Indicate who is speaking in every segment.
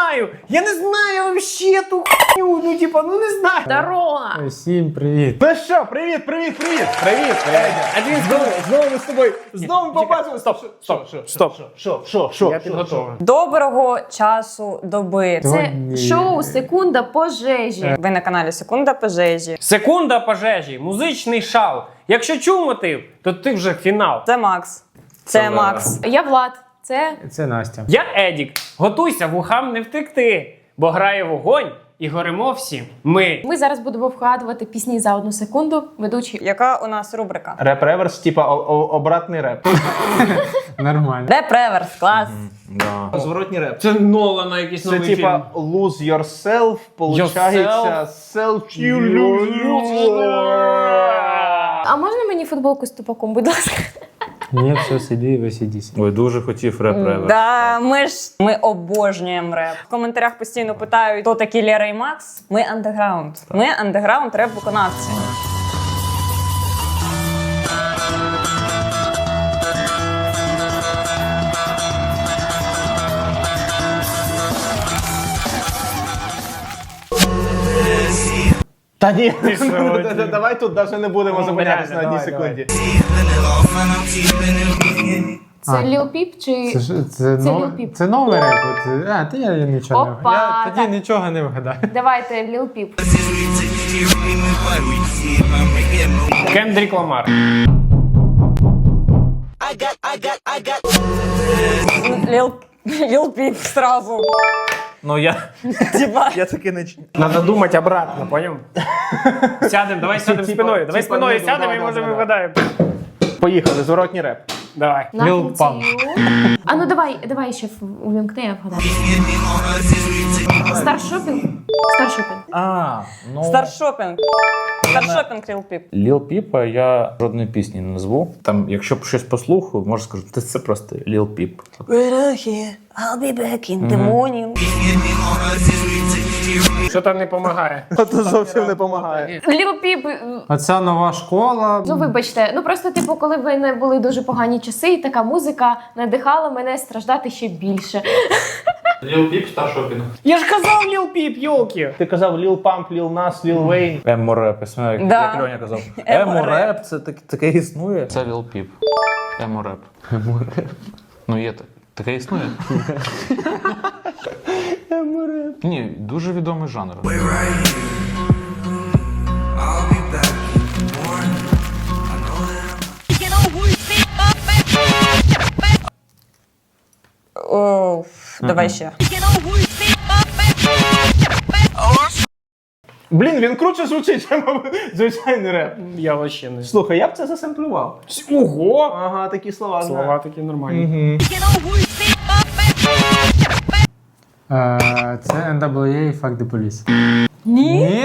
Speaker 1: знаю. Я не знаю вообще ту хуйню. Ну, типа, ну не знаю.
Speaker 2: Дорога.
Speaker 3: Всім привіт.
Speaker 4: Ну що, привіт.
Speaker 1: А він
Speaker 4: Знову ми з тобою. Знову побачили. Що?
Speaker 1: Я підготовлений.
Speaker 2: Доброго часу доби. Це шоу «Секунда пожежі». Ви на каналі «Секунда пожежі».
Speaker 1: Секунда пожежі, музичний шал. Якщо чув мотив, то ти вже фінал.
Speaker 2: Це Макс. Це Макс.
Speaker 5: Я Влад.
Speaker 3: Це Настя.
Speaker 1: Я Едік. Готуйся, вухам не втекти, бо грає вогонь і горимо всі. Ми
Speaker 5: Ми зараз будемо вгадувати пісні за 1 секунду. Ведучий.
Speaker 2: Яка у нас рубрика?
Speaker 4: Реп-реверс, типа обратний реп.
Speaker 3: Нормально.
Speaker 2: Реп-реверс, клас.
Speaker 4: Зворотній реп.
Speaker 1: Це Нолана якийсь
Speaker 4: Це
Speaker 1: новий
Speaker 4: типа lose yourself, получається self
Speaker 5: А можна мені футболку з тупаком, будь ласка?
Speaker 3: Ні, все, сиди, ви сидіть.
Speaker 6: Ой, дуже хотів реп-реверс.
Speaker 2: Да, ми обожнюємо реп. В коментарях постійно питають, хто такі Лера і Макс. Ми андеграунд. Ми андеграунд реп-виконавці.
Speaker 4: Та ні, давай тут навіть не будемо зупинятися на одній
Speaker 1: давай,
Speaker 4: секунді.
Speaker 5: Це Ліл Піп чи...
Speaker 3: Це
Speaker 5: Lil Peep.
Speaker 3: Це новий реп. Та я нічого не
Speaker 5: Опа,
Speaker 3: вгадаю. Я тоді
Speaker 5: так.
Speaker 3: нічого не вгадаю.
Speaker 5: Давайте Ліл Піп.
Speaker 1: Кендрік Ламар.
Speaker 2: Ліл Піп сразу.
Speaker 6: Ну я
Speaker 2: Типа.
Speaker 6: таки не...
Speaker 1: Надо думати обратно, поняв? Сядемо, давай сядемо спиною. Давай
Speaker 4: типа,
Speaker 1: спиною
Speaker 4: ну,
Speaker 1: сядемо
Speaker 4: да,
Speaker 1: і
Speaker 4: да,
Speaker 1: може
Speaker 4: да.
Speaker 1: вигадаємо.
Speaker 4: Поїхали, зворотній реп.
Speaker 1: Давай.
Speaker 3: Lil Pump.
Speaker 5: А ну давай ще увімкни, я вгадаю. Старшопінг? Старшопінг.
Speaker 2: Старшопінг. Старшопінг Ліл Піп.
Speaker 6: Ліл Піпа я жодної пісні не назву. Там, якщо б щось послухав, можу сказати, це просто Ліл Піп.
Speaker 2: I'll be back in the morning.
Speaker 1: Що там не допомагає?
Speaker 4: Це зовсім не допомагає.
Speaker 5: Ліл Піп,
Speaker 3: Оця нова школа.
Speaker 5: ну вибачте, ну просто типу, коли в мене були дуже погані часи, і така музика надихала мене страждати ще більше.
Speaker 1: Я ж казав Ліл Піп, йолки.
Speaker 4: Ти казав Lil Pump, Lil Nas, Lil Wayne.
Speaker 6: Емо-реп, як
Speaker 2: Да.
Speaker 6: Льоня казав.
Speaker 2: Емо-реп.
Speaker 6: Емо-реп, це таке існує. Це Ліл Піп. Емо-реп. Ну є так. Таке існує. Емо-реп. Ні, дуже відомий жанр.
Speaker 2: О, давай ще.
Speaker 4: Блін, він круче звучить, ніж звичайний реп.
Speaker 1: Я вообще не.
Speaker 4: Слухай, я б це засемплював.
Speaker 1: Ого!
Speaker 4: Ага, такі слова знаю.
Speaker 1: Слова такі нормальні.
Speaker 3: Це NWA Fuck the Police.
Speaker 2: Ні?
Speaker 3: Ні?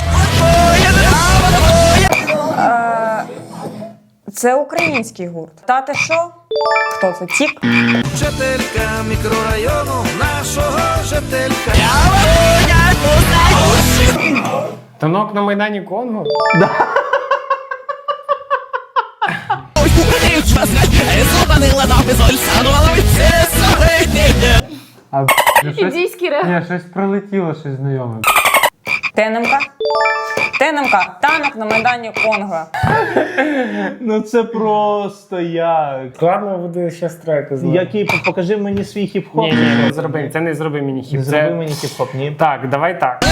Speaker 2: Це український гурт. Та ти що? Хто це? Тік?
Speaker 7: Жителька мікрорайону нашого жителька.
Speaker 1: Танок на Майдані Конго?
Speaker 3: А щось,
Speaker 5: Індійський реп.
Speaker 3: ні, щось пролетіло, щось знайоме.
Speaker 2: ТНМК? ТНМК. Танок на Майдані Конго.
Speaker 4: Ну це просто як.
Speaker 1: Складно буде ще треки знати.
Speaker 4: Який, покажи мені свій хіп-хоп.
Speaker 1: Ні, не зроби. Це не зроби мені хіп.
Speaker 4: Не зроби мені хіп-хоп, ні.
Speaker 1: Так, давай так.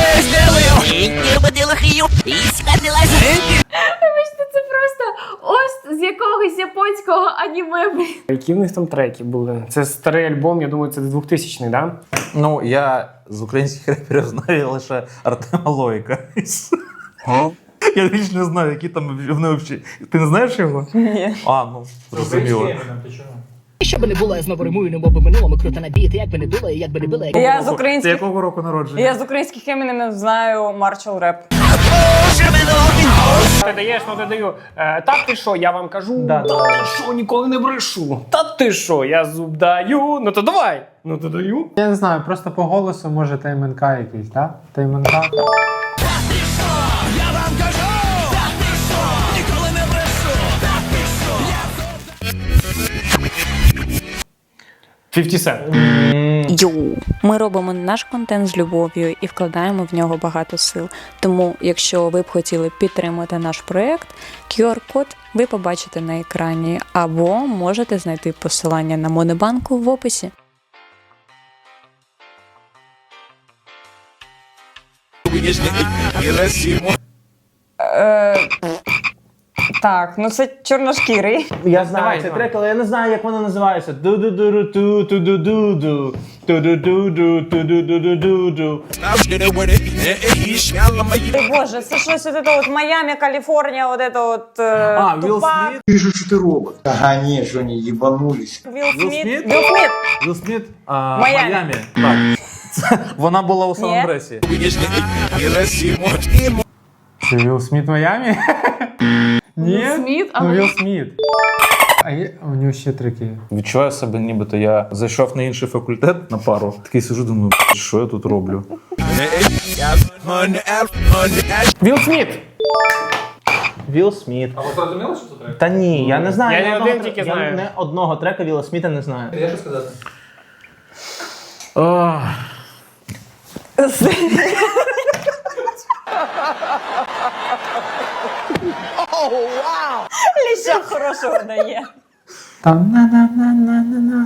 Speaker 5: Вибачте, це просто ось з якогось японського аніме.
Speaker 1: Які в них там треки були? Це старий альбом, я думаю, це 2000-й, да?
Speaker 6: Ну, я з українських реперів знаю лише Артема Лоїка. Я більше не знаю, які там вони взагалі. Ти не знаєш його?
Speaker 2: Ні.
Speaker 6: А, ну, зрозуміло.
Speaker 8: Що би не було, я знову римую, немов би минулому круто набіти, як би не було, як би не було.
Speaker 2: Я з
Speaker 6: Ти
Speaker 2: українських...
Speaker 6: якого року народження?
Speaker 2: Я з українських емінемів знаю Маршал Реп.
Speaker 1: Ти даєш, ну ти даю. Так ти що, я вам кажу?
Speaker 4: Да,
Speaker 1: Та ти що, ніколи не брешу. Та ти що, я зуб даю. Ну то давай. Ну то даю.
Speaker 3: Я не знаю, просто по голосу може ТМНК якийсь, так? ТМНК.
Speaker 1: 50 Cent.
Speaker 9: Йоу, ми робимо наш контент з любов'ю і вкладаємо в нього багато сил. Тому, якщо ви б хотіли підтримати наш проєкт, QR-код ви побачите на екрані, або можете знайти посилання на Монобанку в описі.
Speaker 2: Так, ну це чорношкірий.
Speaker 4: Я знаю
Speaker 1: Давай,
Speaker 4: цей
Speaker 1: давай.
Speaker 4: трек, але я не знаю, як воно називається. Ду-ду-ду-ду-ду, ту-ду-ду-ду, ту-ду-ду-ду, ту-ду-ду-ду-ду.
Speaker 2: Ти боже, це щось от это от Майами, Каліфорнія, от это от
Speaker 4: А, Вілл
Speaker 2: Тупак.
Speaker 4: Сміт?
Speaker 10: Вижу, что ты робот. Ага, не, что они ебанулись.
Speaker 2: Вілл Сміт.
Speaker 6: Сміт?
Speaker 2: Вілл Сміт.
Speaker 6: Вілл Сміт,
Speaker 2: Майамі.
Speaker 6: Майамі. Так. Це, вона була у Сан-Андресі.
Speaker 3: Це Вілл Сміт в Майамі? Ні?
Speaker 5: Вілл Сміт? А
Speaker 3: Ну,
Speaker 5: ви-
Speaker 3: Вілл Сміт. А є... у нього ще треки.
Speaker 6: Відчуваю себе, нібито я зайшов на інший факультет на пару. Такий сижу, думаю, що я тут роблю?
Speaker 1: Вілл Сміт.
Speaker 4: Вілл Сміт.
Speaker 6: А ви зрозуміли, що це трек?
Speaker 4: Та ні, я не знаю.
Speaker 1: Я
Speaker 4: ні
Speaker 1: не
Speaker 4: одного
Speaker 1: один тільки
Speaker 4: я
Speaker 1: знаю.
Speaker 4: не одного трека Вілла Сміта не знаю.
Speaker 6: Я що сказати?
Speaker 2: Ліща хорошого дає.
Speaker 3: Там на-на-на-на-на-на.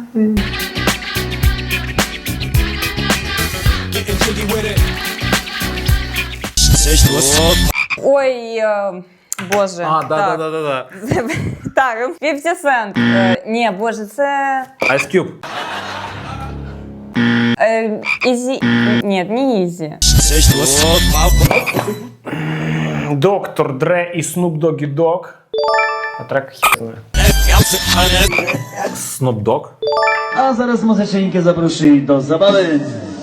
Speaker 2: Ой, боже.
Speaker 6: А,
Speaker 2: так.
Speaker 6: да.
Speaker 2: Так, 50 Cent. Ні, боже, це...
Speaker 6: Ice Cube.
Speaker 2: Ізі... Ні, не Ізі.
Speaker 1: Доктор Дре і Snoop Doggy Dogg. А трек хіт знає.
Speaker 6: Snoop Dogg.
Speaker 10: A zaraz muzyczynki zaprosi do zabawy.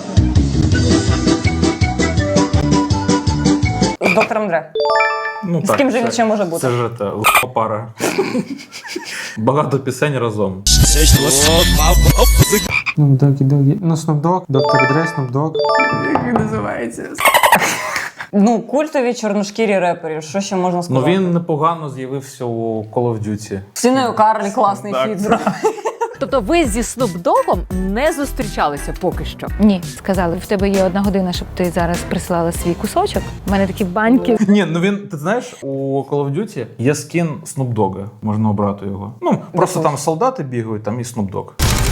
Speaker 2: З доктором Дре.
Speaker 6: Ну,
Speaker 2: З ким же він ще може бути?
Speaker 6: Це ж та л**а пара. Багато пісень разом.
Speaker 3: Snoop Doggy. Ну, Snoop Dogg, Dr. Dre, Snoop Dogg. Як він називається?
Speaker 2: Ну, культові чорношкірі репери, що ще можна
Speaker 6: Ну
Speaker 2: сказати?
Speaker 6: він непогано з'явився у Call of Duty.
Speaker 2: Сіною Карлі класний фіт зробив.
Speaker 11: Тобто ви зі Snoop Dogg'ом не зустрічалися поки що?
Speaker 12: Ні, сказали, в тебе є 1 година, щоб ти зараз прислала свій кусочок. У мене такі баньки.
Speaker 6: Ні, ну він, ти знаєш, у Call of Duty є скін Snoop Dogga, можна обрати його. Ну, просто там солдати бігають, там і Snoop Dogg.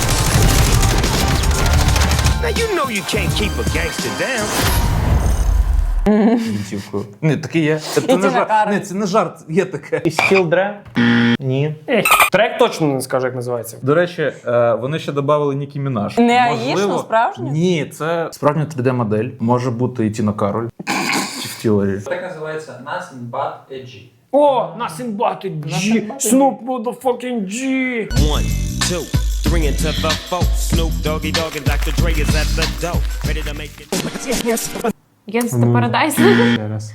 Speaker 6: Гвинтівкою. Ні, таке є. Це не
Speaker 2: Тіна
Speaker 6: жарт.
Speaker 2: Кароль.
Speaker 6: Ні, це не жарт, є таке.
Speaker 4: І Still Dre? Ні.
Speaker 1: Трек точно не скажу, як називається.
Speaker 6: До речі, вони ще додали Нікі Мінаш.
Speaker 2: Не аїшну, справжню?
Speaker 6: Ні, це справжня 3D-модель. Може бути і Тіна Кароль. Чи в Тілері.
Speaker 13: Так називається Nothing But a G.
Speaker 1: О, Nothing But a G. Snoop motherfucking G.
Speaker 7: 1, 2, 3 into the 4. Snoop Doggy Dogg and Dr. Dre is at the door. Ready to make it.
Speaker 5: Gangsta Paradise.
Speaker 3: Ще раз.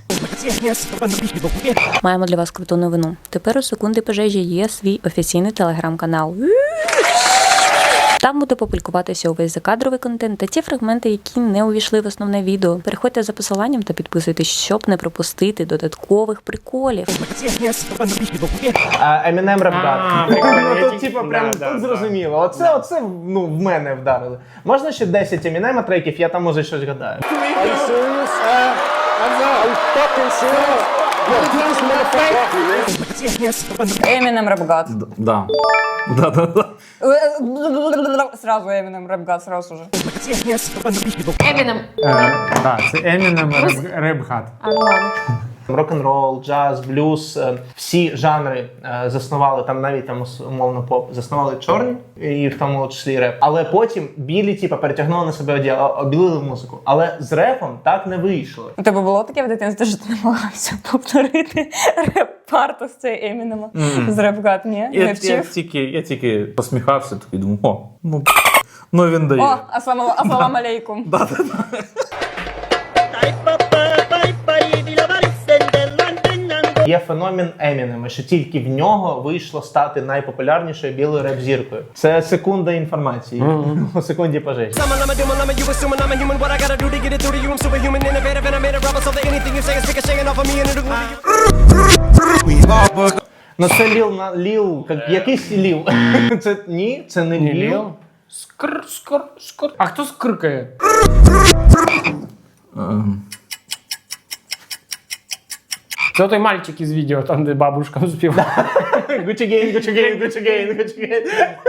Speaker 9: Маємо для вас круту новину. Тепер у секунди пожежі є свій офіційний телеграм-канал. Там буде публікуватися увесь закадровий контент та ті фрагменти, які не увійшли в основне відео. Переходьте за посиланням та підписуйтесь, щоб не пропустити додаткових приколів.
Speaker 4: Eminem Rap God.
Speaker 1: прикольно,
Speaker 4: Ну
Speaker 1: я
Speaker 4: тут
Speaker 1: тільки-
Speaker 4: типу прям
Speaker 1: да,
Speaker 4: тут
Speaker 1: да,
Speaker 4: зрозуміло. Оце ну, в мене вдарили. Можна ще 10 Eminem треків, я там може щось гадаю.
Speaker 2: Eminem Rap God.
Speaker 6: Да. Да.
Speaker 2: Сразу Eminem Rap God, сразу же.
Speaker 5: Еміном.
Speaker 3: Так, це Eminem Rap God.
Speaker 5: А, ну ладно.
Speaker 4: Рок-н-рол, джаз, блюз, всі жанри заснували, там навіть там умовно поп, заснували чорні, і в тому числі реп. Але потім білі, типу, перетягнули на себе обілили музику. Але з репом так не вийшло.
Speaker 2: У тебе було таке в дитинстві, що ти намагався повторити реп-парту з цієї Емінема? З Rap God, ні? Не вчив?
Speaker 6: Я тільки посміхався, такий думаю, ну він дає.
Speaker 2: О, ассалам алейкум.
Speaker 4: Є феномен Емінема, що тільки в нього вийшло стати найпопулярнішою білою реп-зіркою. Це секунда інформації. У секунді пожежі. Ну це Ліл, якийсь Ліл. Це ні, це не Ліл.
Speaker 1: Скр. А хто скрикає? Це той мальчик із відео, там, де бабушка співає.
Speaker 4: Gucci Gang, Gucci Gang, Gucci Gang, Gucci Gang.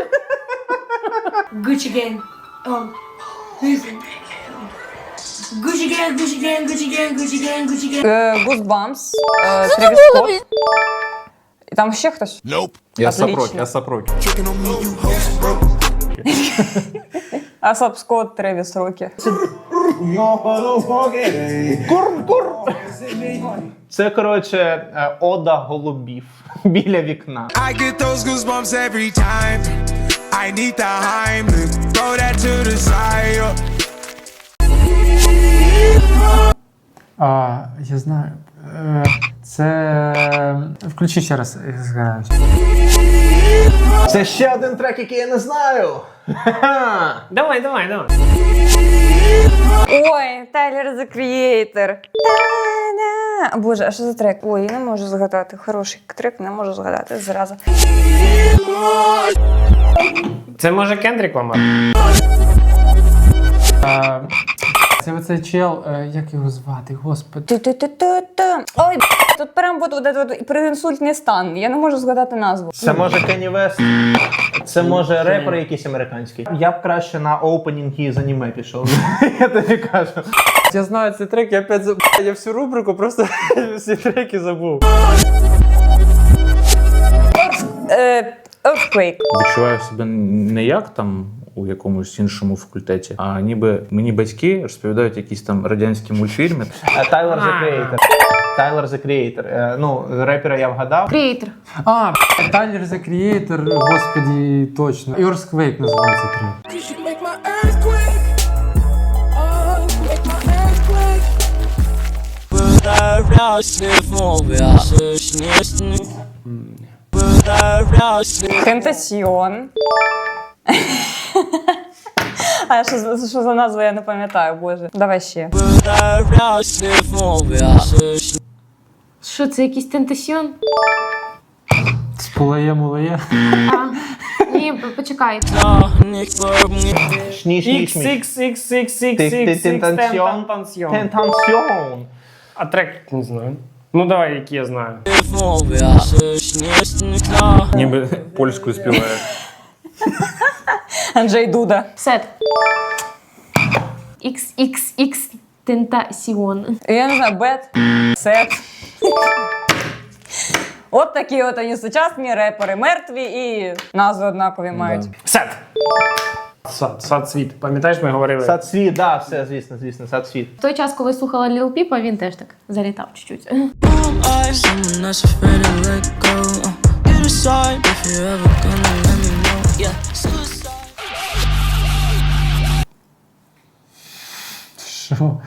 Speaker 14: Gucci Gang. Oh. Gucci Gang, Gucci Gang, Gucci Gang, Gucci Gang, Gucci Gang.
Speaker 2: Goosebumps, Тревіс Скотт. І там ще хтось?
Speaker 6: Я
Speaker 2: Отлично.
Speaker 6: Сапроки.
Speaker 2: Асап Скотт, Тревіс Рокі.
Speaker 4: Це, коротше, ода голубів біля вікна.
Speaker 7: I get those goosebumps every time. I need the Heimlich. Throw that to the side.
Speaker 3: Я знаю. Це... Включи ще раз, я згадаю.
Speaker 4: Це ще один трек, який я не знаю.
Speaker 1: Давай.
Speaker 2: Ой, Тайлер The Creator. Та-да. Боже, а що за трек? Ой, я не можу згадати. Хороший трек, не можу згадати. Зразу.
Speaker 1: Це може Кендрік Ламар?
Speaker 3: Це оцей чел, як його звати, господи.
Speaker 2: Ой, тут прям от переінсультний стан. Я не можу згадати назву.
Speaker 4: Це може Кенні Вест. Це може репер якийсь американський. Я б краще на опенінги з аніме пішов. Я тобі кажу.
Speaker 3: Я знаю цей трек, я опять забув. Я всю рубрику просто всі треки забув.
Speaker 2: Earthquake.
Speaker 6: Відчуваю себе не як там у якомусь іншому факультеті, а ніби мені батьки розповідають якісь там радянські мультфільми.
Speaker 4: Тайлер The Creator. Тайлер The Creator. Ну, репера я вгадав.
Speaker 5: Creator.
Speaker 3: Тайлер The Creator, господи, точно. Earthquake називається трек.
Speaker 2: Тентасьйон. А що за назва, я не пам'ятаю, боже. Давай ще.
Speaker 5: Що це, якийсь тентасьйон?
Speaker 3: Мулає.
Speaker 5: Ні, почекай.
Speaker 4: Тентансьйон.
Speaker 1: А трек не знаю. Ну давай, які я знаю.
Speaker 6: Ніби польською співає.
Speaker 2: Анджей Дуда.
Speaker 5: Сет. XXX Тентасьйон.
Speaker 2: Я не знаю, Бет, Сет. От такі от вони сучасні репери, мертві і назви однакові мають.
Speaker 1: Сет. Сад світ. Пам'ятаєш, ми говорили?
Speaker 4: Сад світ, да, все, звісно, сад світ.
Speaker 5: В той час, коли слухала Lil Peep, він теж так залітав чуть-чуть.
Speaker 3: Що?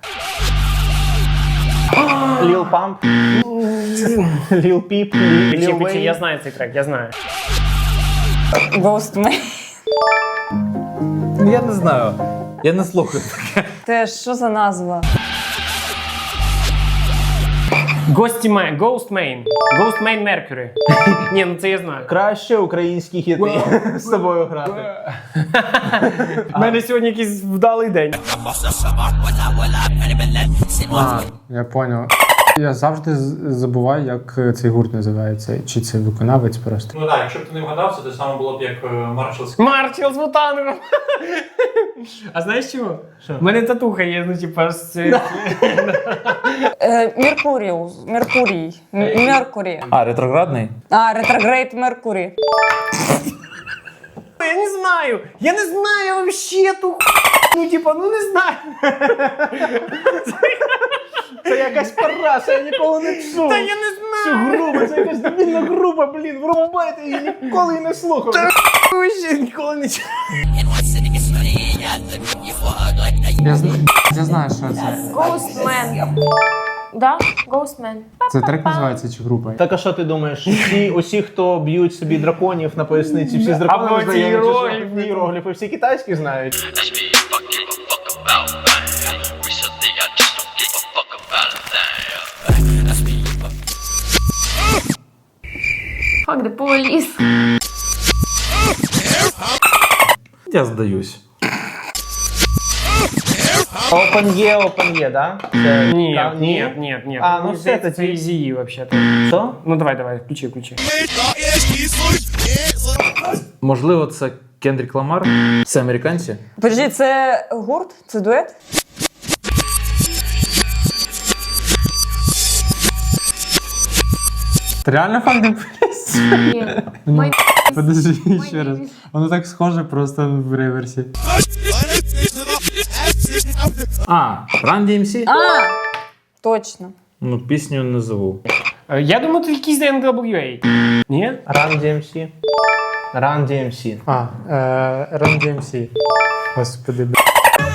Speaker 4: Lil Pump. Lil Peep. Lil
Speaker 1: Пічі, я
Speaker 4: Wayne.
Speaker 1: знаю цей трек, я знаю.
Speaker 2: Ghost Man.
Speaker 6: Я не знаю. Я не слухаю таке.
Speaker 2: Те що за назва?
Speaker 1: Ghost Main Mercury. Ні, ну це я знаю.
Speaker 4: Краще українські хіти з тобою грати.
Speaker 1: У мене сьогодні якийсь вдалий день.
Speaker 3: Я поняв. Я завжди забуваю, як цей гурт називається. Чи це виконавець просто.
Speaker 13: Ну так, якщо б ти не вгадав, це те саме було б як Маршалський.
Speaker 1: Марчел з Вутангом. А знаєш чого? У мене татуха є, ну типа з...
Speaker 2: Меркурій.
Speaker 6: А, ретроградний?
Speaker 2: Ретрогрейд Меркурій.
Speaker 1: Я не знаю вообще ту ну типа, ну не знаю.
Speaker 4: Це якась параша, я ніколи не чув.
Speaker 1: Та я не знаю.
Speaker 4: Цю групу, це якась дебільна група, блін, врубайте, я ніколи її не слухав.
Speaker 1: Вообще ніколи не чув.
Speaker 3: Я знаю, що це.
Speaker 5: Ghost Man. Да? Ghost Man.
Speaker 3: Це трек називається чи група?
Speaker 4: Так а що ти думаєш? Усі, хто б'ють собі драконів на поясниці, всі з драконами
Speaker 1: Або ці
Speaker 4: знайомі, чи що?
Speaker 1: іерогліфи.
Speaker 4: Іерогліфи, всі китайські знають.
Speaker 5: Fuck the police.
Speaker 6: Я здаюсь.
Speaker 4: Open є, да?
Speaker 1: Ні.
Speaker 4: А, ну все,
Speaker 1: це
Speaker 4: тоді.
Speaker 1: Eazy вообще-то.
Speaker 4: Що?
Speaker 1: Ну давай, включи.
Speaker 6: Можливо, це Кендрік Ламар? Це американці?
Speaker 2: Подожди, це гурт? Це дует?
Speaker 3: Ти реально факт не поліз?
Speaker 5: Ні.
Speaker 3: Подожди ще раз. Воно так схоже просто в реверсі.
Speaker 6: А, Run DMC?
Speaker 2: А! Точно.
Speaker 6: Ну, пісню назову.
Speaker 1: Я думаю, тут якийсь NWA. Ні?
Speaker 4: Run DMC. Run DMC.
Speaker 3: А, Run DMC. Господи, б***.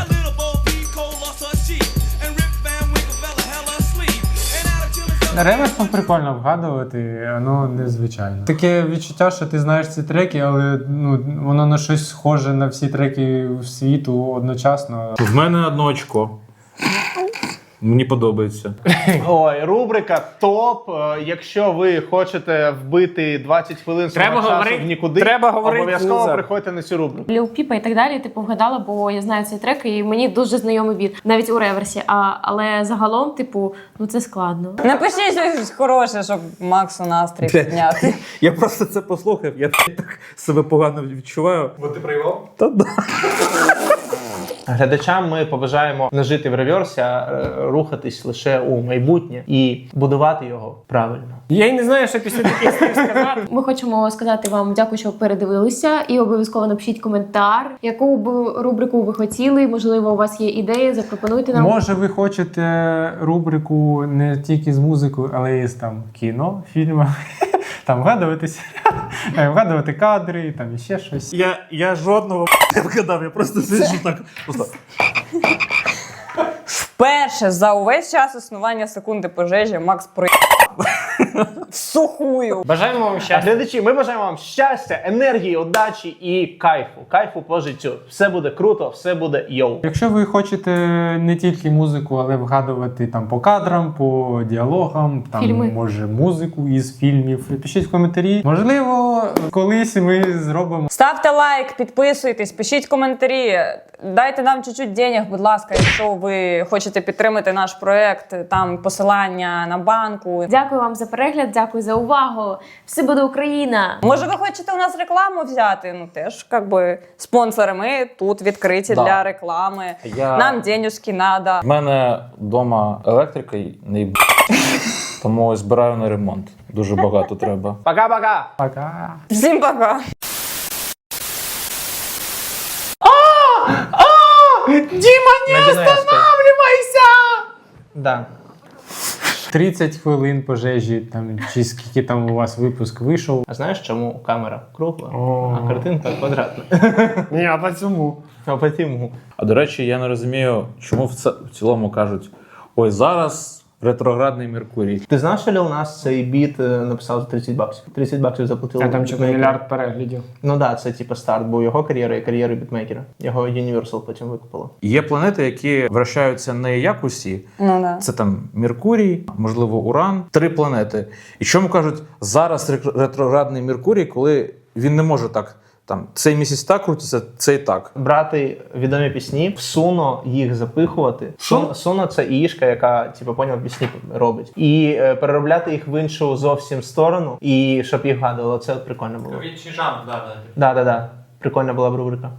Speaker 3: Реверсом прикольно вгадувати, воно незвичайно. Таке відчуття, що ти знаєш ці треки, але ну, воно на щось схоже на всі треки світу одночасно.
Speaker 6: В мене 1 очко. Мені подобається.
Speaker 4: Ой, рубрика ТОП. Якщо ви хочете вбити 20 хвилин свого
Speaker 1: Треба
Speaker 4: часу
Speaker 1: говорити-
Speaker 4: в нікуди,
Speaker 1: треба говорити
Speaker 4: обов'язково
Speaker 1: лузер.
Speaker 4: приходьте на цю рубрику.
Speaker 5: Ліл Піпа і так далі, типу, вгадала, бо я знаю цей трек, і мені дуже знайомий біт, навіть у реверсі. Але загалом, типу, ну це складно.
Speaker 2: Напишіть щось хороше, щоб Максу настрій підняти.
Speaker 6: Я просто це послухав, я так себе погано відчуваю.
Speaker 13: Бо ти проївав?
Speaker 6: Та да.
Speaker 4: Глядачам ми побажаємо не жити в реверсі, а рухатись лише у майбутнє і будувати його правильно.
Speaker 1: Я й не знаю, що після таких слів сказати.
Speaker 5: Ми хочемо сказати вам дякую, що передивилися, і обов'язково напишіть коментар, яку б рубрику ви хотіли. Можливо, у вас є ідеї, запропонуйте нам.
Speaker 3: Може, ви хочете рубрику не тільки з музикою, але і з там кіно, фільмами. Там вгадувати кадри, там іще щось.
Speaker 6: Я жодного не вгадав, я просто сиджу так. Просто.
Speaker 2: Вперше за увесь час існування секунди пожежі Макс в сухую.
Speaker 1: Бажаємо вам
Speaker 4: А
Speaker 1: щастя.
Speaker 4: глядачі, ми бажаємо вам щастя, енергії, удачі і кайфу. Кайфу по життю. Все буде круто, все буде йоу.
Speaker 3: Якщо ви хочете не тільки музику, але вгадувати там по кадрам, по діалогам, там
Speaker 5: Фільми.
Speaker 3: може музику із фільмів, пишіть в коментарі. Можливо, колись ми зробимо.
Speaker 2: Ставте лайк, підписуйтесь, пишіть коментарі. Дайте нам чуть-чуть денег, будь ласка, якщо ви хочете підтримати наш проект, там посилання на банку.
Speaker 5: Дякую вам за перегляд, дякую за увагу. Все буде Україна!
Speaker 2: Може, ви хочете у нас рекламу взяти? Ну теж якби спонсори ми тут відкриті для реклами. Нам денежки надо.
Speaker 6: У мене вдома електрика не їб... тому ось збираю на ремонт. Дуже багато треба.
Speaker 4: Пока-пока!
Speaker 3: Пока.
Speaker 2: Всім пока.
Speaker 1: Діма, не останавливайся!
Speaker 4: Да.
Speaker 3: 30 хвилин пожежі, там, чи скільки там у вас випуск вийшов.
Speaker 4: А знаєш, чому камера кругла,
Speaker 3: О.
Speaker 4: а картинка квадратна?
Speaker 1: Ні, а по цьому.
Speaker 4: А потім.
Speaker 6: А до речі, я не розумію, чому в цілому кажуть: ой, зараз ретроградний Меркурій.
Speaker 4: Ти знав, що Lil Nas цей біт написав за 30 баксів? 30 баксів заплатили.
Speaker 1: А там що
Speaker 4: бітмейкеру.
Speaker 1: мільярд переглядів.
Speaker 4: Ну так, да, це типу старт був його кар'єри і кар'єри бітмейкера. Його Universal потім викупило.
Speaker 6: Є планети, які вращаються не як усі.
Speaker 2: Ну да.
Speaker 6: Це там Меркурій, можливо, Уран. 3 планети. І чому кажуть, зараз ретроградний Меркурій, коли він не може так. Там цей місяць так крутиться, цей так.
Speaker 4: Брати відомі пісні, в суно їх запихувати. Суно це іїшка, яка, типу, поняв, пісні робить. І переробляти їх в іншу зовсім сторону, і щоб їх гадувало. Це от прикольно було.
Speaker 13: Інший жанр, да.
Speaker 4: Да. Прикольна була б рубрика.